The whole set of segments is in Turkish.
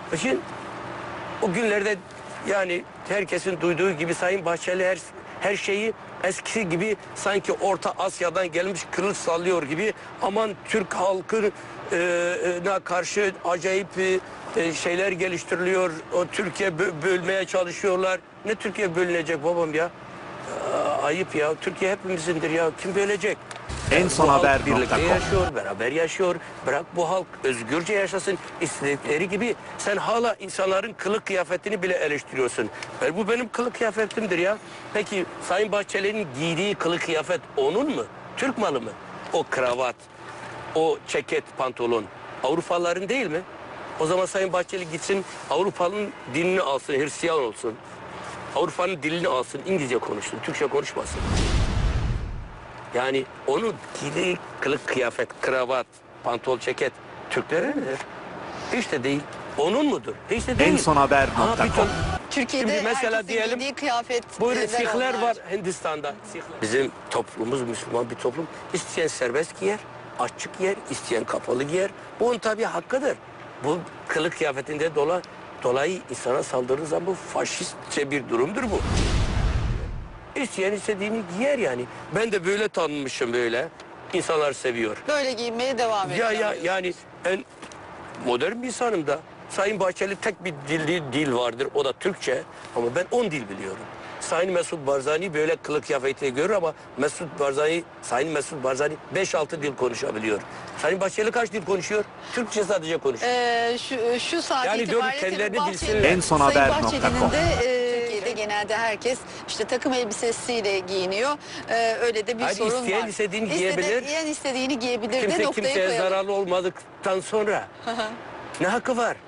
Şimdi o günlerde yani herkesin duyduğu gibi Sayın Bahçeli her şeyi eskisi gibi sanki Orta Asya'dan gelmiş kılıç sallıyor gibi, aman Türk halkına karşı acayip şeyler geliştiriliyor. O Türkiye bölmeye çalışıyorlar. Ne Türkiye bölünecek babam ya? Ayıp ya. Türkiye hepimizindir ya. Kim bölecek? En son Bu halk haber birlikte nokta com. yaşıyor, beraber yaşıyor. Bırak bu halk özgürce yaşasın istedikleri gibi. Sen hala insanların kılık kıyafetini bile eleştiriyorsun. Bu benim kılık kıyafetimdir ya. Peki Sayın Bahçeli'nin giydiği kılık kıyafet onun mu? Türk malı mı? O kravat, o ceket, pantolon Avrupalıların değil mi? O zaman Sayın Bahçeli gitsin Avrupa'nın dilini alsın, Hristiyan olsun. Avrupa'nın dilini alsın, İngilizce konuşsun, Türkçe konuşmasın. Yani onun giydiği kılık kıyafet, kravat, pantol, ceket Türklere midir? Hiç de değil. Onun mudur? Hiç de değil. En son haber nokta com. Türkiye'de Şimdi mesela herkesin diyelim, giydiği kıyafet. Buyurun Sihler var Hindistan'da. Bizim toplumumuz Müslüman bir toplum. İsteyen serbest giyer, açık giyer, isteyen kapalı giyer. Bu onun tabii hakkıdır. Bu kılık kıyafetinde dolayı insana saldırdığı zaman bu faşistçe bir durumdur bu. İsteyen istediğini giyer yani. Ben de böyle tanınmışım böyle. İnsanlar seviyor. Böyle giyinmeye devam ediyor. Yani ben modern bir insanım da. Sayın Bahçeli tek bir dil vardır. O da Türkçe. Ama ben 10 dil biliyorum. Sayın Mesut Barzani böyle kılık kıyafetiyle görür ama Sayın Mesut Barzani 5-6 dil konuşabiliyor. Sayın Bahçeli kaç dil konuşuyor? Türkçe sadece konuşuyor. Şu saat Yani diyorum, itibariyle kendilerini tabii bilsinler. Bahçeli'nin- En son Sayın haber Bahçeli'nin nokta com. de Türkiye'de genelde herkes işte takım elbisesiyle giyiniyor. Öyle de bir Hayır, sorun isteyen var. istediğini giyebilir. İsteyen istediğini giyebilir de Kimse noktayı kimseye koyalım. zararlı olmadıktan sonra ne hakkı var?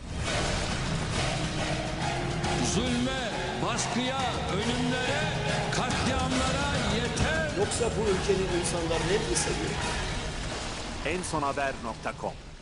Zulme, baskıya, ölümlere, katliamlara yeter. Yoksa bu ülkenin insanları ne seviyor? En son haber nokta com.